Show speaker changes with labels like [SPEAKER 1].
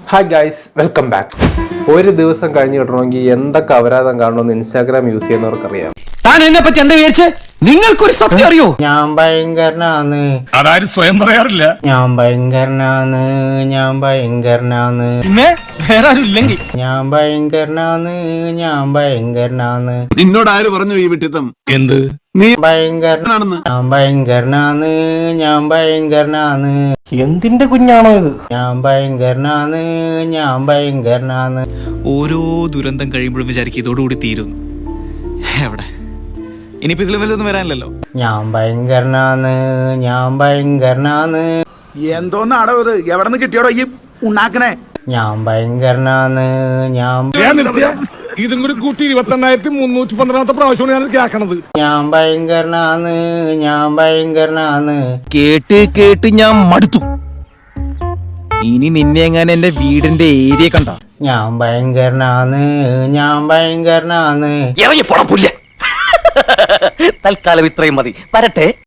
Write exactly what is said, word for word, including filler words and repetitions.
[SPEAKER 1] Hi guys, welcome back. ഒരു ദിവസം കഴിഞ്ഞ് കിട്ടണമെങ്കിൽ എന്തൊക്കെ അപരാധം കാണണമെന്ന് ഇൻസ്റ്റാഗ്രാം യൂസ് ചെയ്യുന്നവർക്കറിയാം.
[SPEAKER 2] താൻ എന്നെ പറ്റി എന്താ വിചാരിച്ച്? നിങ്ങൾക്കൊരു സത്യം അറിയോ?
[SPEAKER 3] ഞാൻ ഭയങ്കരനാന്ന്.
[SPEAKER 4] അതാരും സ്വയം പറയാറില്ല.
[SPEAKER 3] ഞാൻ ഭയങ്കരനാന്ന്. ഞാൻ ഭയങ്കരനാന്ന്.
[SPEAKER 2] പിന്നെ വേറെ ആരും ഇല്ലെങ്കിൽ
[SPEAKER 3] ഞാൻ ഭയങ്കരനാന്ന്. ഞാൻ ഭയങ്കരനാന്ന്.
[SPEAKER 4] നിന്നോട് ആര് പറഞ്ഞു ഈ വിട്ടിത്തം? എന്ത് നീ
[SPEAKER 3] ഭയങ്കരനാണെന്ന്. ഞാൻ ഭയങ്കരനാന്ന്. ഞാൻ ഭയങ്കരനാന്ന്.
[SPEAKER 1] എന്തിന്റെ കുഞ്ഞാണോ ഇത്?
[SPEAKER 3] ഞാൻ ഭയങ്കരനാന്ന്. ഞാൻ ഭയങ്കരനാന്ന്.
[SPEAKER 5] ഓരോ ദുരന്തം കഴിയുമ്പോഴും വിചാരിക്കും ഇതോടുകൂടി തീരുന്നു. എവിടെ ഇനിയിപ്പോ ഇതിലും വല്ലതൊന്നും വരാനില്ലല്ലോ.
[SPEAKER 3] ഞാൻ ഭയങ്കരനാന്ന്. ഞാൻ ഭയങ്കരനാന്ന്.
[SPEAKER 4] എന്തോന്ന് അടവ് ഇത്? എവിടെ നിന്ന് കിട്ടിയോടോ ഈ ഉണ്ടാക്കണേ?
[SPEAKER 3] ഞാൻ ഭയങ്കരനാന്ന്. ഞാൻ
[SPEAKER 4] ഇതും കൂടി കൂട്ടി ഇരുപത്തി എണ്ണായിരത്തി മുന്നൂറ്റി പന്ത്രണ്ടാമത്തെ പ്രാവശ്യമാണ് ഞാൻ കേൾക്കണത്.
[SPEAKER 3] ഞാൻ ഭയങ്കരനാന്ന്. ഞാൻ ഭയങ്കരനാന്ന്.
[SPEAKER 2] കേട്ട് കേട്ട് ഞാൻ മടുത്തു. ഇനി നിന്നെ എങ്ങനെ എന്റെ വീടിന്റെ ഏരിയ കണ്ട
[SPEAKER 3] ഞാൻ ഭയങ്കരനാന്ന്. ഞാൻ ഭയങ്കരനാന്ന്.
[SPEAKER 6] ഇറങ്ങി പോണം പുല്ല. തൽക്കാലം ഇത്രയും മതി. വരട്ടെ.